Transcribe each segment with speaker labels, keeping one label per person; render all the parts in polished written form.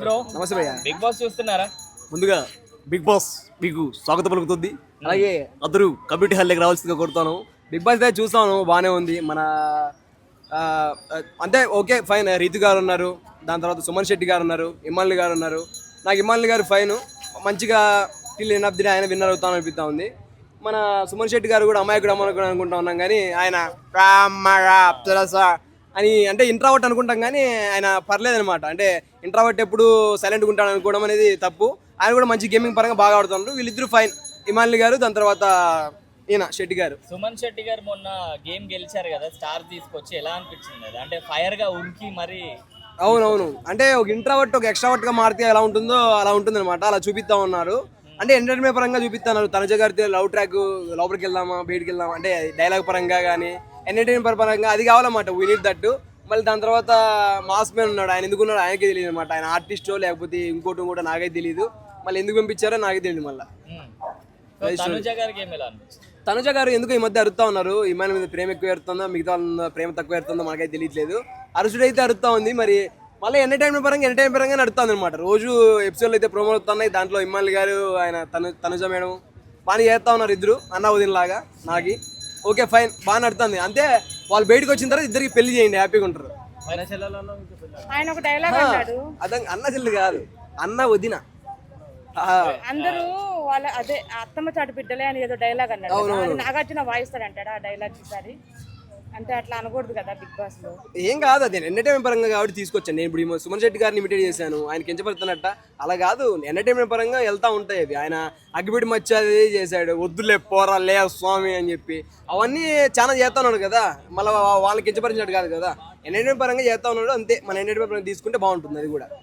Speaker 1: Bro.
Speaker 2: నమస్తే భయ్య.
Speaker 1: Big boss చూస్తున్నారా?
Speaker 2: ముందుగా బిగ్ బాస్ మీకు స్వాగతం పలుకుతుంది. అలాగే అందరూ కమ్యూనిటీ హాల్లోకి రావాల్సిందిగా కోరుతాను. బిగ్ బాస్ అయితే చూస్తాను, బాగానే ఉంది. మన అంటే ఓకే ఫైన్. రీతు గారు ఉన్నారు, దాని తర్వాత సుమన్ శెట్టి గారు ఉన్నారు, ఇమాన్లు గారు ఉన్నారు. నాకు ఇమాన్లు గారు ఫైన్, మంచిగా till end of the day ఆయన విన్నర్ అవుతాను అనిపిస్తూ ఉంది. మన సుమన్ శెట్టి గారు కూడా అమాయకుడు అమాయకుడు అనుకుంటా ఉన్నాం, కానీ ఆయన అని అంటే ఇంట్రావర్ట్ అనుకుంటాం, కానీ ఆయన పర్లేదనమాట. అంటే ఇంట్రావర్ట్ ఎప్పుడు సైలెంట్గా ఉంటాడు అనుకోవడం అనేది తప్పు. ఆయన కూడా మంచి గేమింగ్ పరంగా బాగా ఆడుతున్నారు. వీళ్ళిద్దరు ఫైన్, ఇమాన్లు గారు, దాని తర్వాత ఈయన శెట్టి గారు.
Speaker 1: సుమన్ శెట్టి గారు మొన్న గేమ్ గెలిచారు కదా, స్టార్ తీసుకొచ్చి ఎలా అనిపించింది? అంటే ఫైర్ గా ఉరికి మరి.
Speaker 2: అవునవును, అంటే ఒక ఇంట్రావర్ట్ ఒక ఎక్స్ట్రావర్ట్ గా మారితే ఎలా ఉంటుందో అలా ఉంటుంది అనమాట. అలా చూపిస్తా ఉన్నారు. అంటే ఎంటర్టైన్మెంట్ పరంగా చూపిస్తున్నారు. తనుజ గారితో లవ్ ట్రాక్, లోపలికి వెళ్దామా బయటికి వెళ్దామా అంటే డైలాగ్ పరంగా కానీ ఎంటర్టైన్మెంట్ పరంగా అది కావాలన్నమాట. We need that. మళ్ళీ దాని తర్వాత మాస్ మ్యాన్ ఉన్నాడు, ఆయన ఎందుకున్నాడు ఆయనకే తెలియదు అనమాట. ఆయన ఆర్టిస్టో లేకపోతే ఇంకోటి కూడా నాకైతే తెలియదు. మళ్ళీ ఎందుకు పంపించారో నాకే తెలియదు. మళ్ళీ తనుజ గారు ఎందుకు ఈ మధ్య అరుతా ఉన్నారు. ఇమాన్ మీద ప్రేమ ఎక్కువ ఎరుతుందో, మిగతా ప్రేమ తక్కువ ఎరుతుందో మనకైతే తెలియట్లేదు. అరుసుడైతే అరుతా ఉంది. మరి మళ్ళీ ఎంటర్టైన్మెంట్ పరంగా నడుస్తుంది అనమాట. రోజు ఎపిసోడ్లు అయితే ప్రోమోలు వస్తున్నాయి. దాంట్లో ఇమాన్ గారు, ఆయన తనుజ మేడం బాగా చేస్తా ఉన్నారు. ఇద్దరు అన్న వదిన లాగా. నాకు ఓకే ఫైన్, బాగా నడుతుంది. అంతే, వాళ్ళు బయటకు వచ్చిన తర్వాత ఇద్దరికి పెళ్లి చేయండి, హ్యాపీగా ఉంటారు. అదే అన్న చెల్లి కాదు, అన్న వదిన.
Speaker 3: అందరూ వాళ్ళ అదే అత్తమ్మ చాటు బిడ్డలే అని ఏదో డైలాగ్ అన్నాడు. నాగార్జున వాయిస్తాడు అంటాడు ఆ డైలాగ్ ఈసారి. అంటే అట్లా అనకూడదు కదా బిగ్ బాస్ లో.
Speaker 2: ఏం కాదు, అది ఎంటర్టైన్మెంట్ పరంగా కాబట్టి తీసుకొచ్చాను. నేను ఇప్పుడు సుమన్ శెట్టి గారిని ఇమిటేట్ చేశాను, ఆయన కించపడుతున్నట్ట అలా కాదు. ఎంటర్టైన్మెంట్ పరంగా వెళ్తా ఉంటాయి అవి. ఆయన అగ్గిపెట్టి మచ్చది చేశాడు, వద్దులే పోరా లే స్వామి అని చెప్పి అవన్నీ చాలా చేస్తా ఉన్నాడు కదా. మళ్ళీ వాళ్ళని కించపరిచినట్టు కాదు కదా, ఎంటర్టైన్మెంట్ పరంగా చేస్తా ఉన్నాడు అంతే. మన ఎంటర్టైన్మెంట్ పరంగా తీసుకుంటే బాగుంటుంది అది కూడా.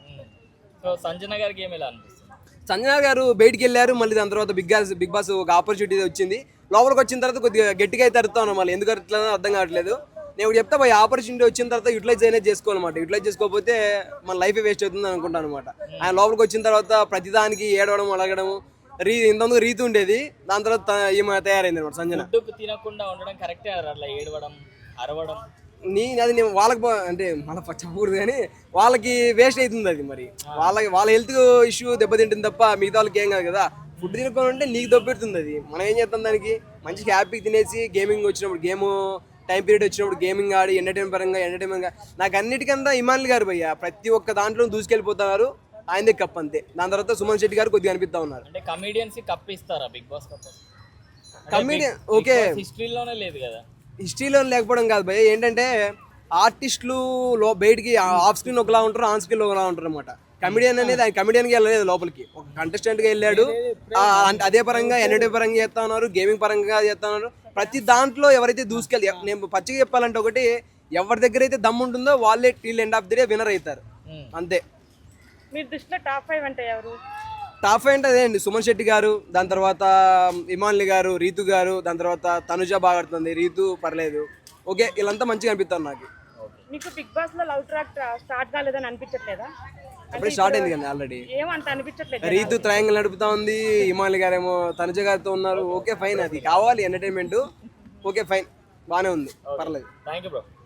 Speaker 1: సంజన గారికి ఏమి ఎలా అనిపిస్తుంది?
Speaker 2: సంజన గారు బయటికి వెళ్ళారు, మళ్ళీ దాని తర్వాత బిగ్ బాస్ ఒక ఆపర్చునిటీ వచ్చింది. లోపలికి వచ్చిన తర్వాత కొద్దిగా గట్టిగా అయితే అరుతాను. మళ్ళీ ఎందుకు అరుతుందో అర్థం కావట్లేదు. నేను ఇప్పుడు చెప్తా, పోయి ఆపర్చునిటీ వచ్చిన తర్వాత యూటిలైజ్ అనేది చేసుకోవాలన్నమాట. యూటిలైజ్ చేసుకోకపోతే మన లైఫ్ వేస్ట్ అవుతుంది అనుకుంటాను అనమాట. ఆయన లోపలికి వచ్చిన తర్వాత ప్రతిదానికి ఏడవడం అడగడం. ఇంతకుముందు రీతి ఉండేది, దాని తర్వాత ఈమె తయారైంది అనమాట సంజన.
Speaker 1: తినకుండా ఉండడం కరెక్టే, అట్లా ఏడవడం అరవడం
Speaker 2: అది నేను వాళ్ళకి అంటే మళ్ళీ చెప్పకూడదు, కానీ వాళ్ళకి వేస్ట్ అవుతుంది అది. మరి వాళ్ళ హెల్త్ ఇష్యూ దెబ్బతింటుంది తప్ప మిగతా వాళ్ళకి ఏం కాదు కదా. ఫుడ్ తినుకొని ఉంటే నీకు దెబ్బెడుతుంది అది. మనం ఏం చేస్తాం, దానికి మంచిగా హ్యాపీగా తినేసి గేమింగ్ వచ్చినప్పుడు గేమ్ టైం పీరియడ్ వచ్చినప్పుడు గేమింగ్ ఆడి ఎంటర్టైన్మెంట్ నాకు అన్నిటికంతా ఇమాన్లు గారు భయ్య ప్రతి ఒక్క దాంట్లో దూసుకెళ్ళిపోతున్నారు. ఆయనదే కప్ అంతే. దాని తర్వాత సుమన్ శెట్టి గారు కొద్దిగా అనిపిస్తా ఉన్నారు.
Speaker 1: అంటే కమెడియన్స్ కప్ ఇస్తారా Bigg Boss cup?
Speaker 2: Comedian okay,
Speaker 1: హిస్టరీలోనే లేదు కదా.
Speaker 2: హిస్టరీలో లేకపోవడం కాదు భయ్య, ఏంటంటే ఆర్టిస్టులు బయటికి ఆఫ్ స్క్రీన్ ఒకలా ఉంటారు, ఆన్ స్క్రీన్ ఒకలా ఉంటారు అనమాట. కమెడియన్ అనేది ఆయన కమెడియన్గా వెళ్ళలేదు, లోపలికి ఒక కంటెస్టెంట్గా వెళ్ళాడు. అదే పరంగా ఎంటర్టైన్ పరంగా చేస్తా ఉన్నారు, గేమింగ్ పరంగా చేస్తా ఉన్నారు. ప్రతి దాంట్లో ఎవరైతే దూసుకెళ్ళి, నేను పచ్చిగా చెప్పాలంటే ఒకటి, ఎవరి దగ్గర అయితే దమ్ము ఉంటుందో వాళ్ళే till end of the day winner అవుతారు అంతే.
Speaker 3: మీ దృష్టిలో టాప్ 5 అంటే ఎవరు?
Speaker 2: టాప్ 5 అంటే అదే అండి, సుమన్ శెట్టి గారు, దాని తర్వాత ఇమాన్లి గారు, రీతు గారు, దాని తర్వాత తనుజ బాగా ఆడుతుంది, రీతు పర్లేదు. ఓకే, వీళ్ళంతా మంచిగా అనిపిస్తారు నాకు.
Speaker 3: మీకు బిగ్ బాస్ లో లవ్ ట్రాక్ స్టార్ట్ కాలేదని అనిపించట్లేదా?
Speaker 2: అప్పుడే స్టార్ట్ అయింది కదా ఆల్రెడీ.
Speaker 3: ఏమంత అనిపించట్లేదు.
Speaker 2: రీతు ట్రయాంగిల్ నడుపుతా ఉంది, ఇమాన్లి గారేమో తనుజ గారితో ఉన్నారు. ఓకే ఫైన్, అది కావాలి ఎంటర్టైన్మెంట్. ఓకే ఫైన్, బాగానే ఉంది, పర్లేదు.
Speaker 1: Thank you bro.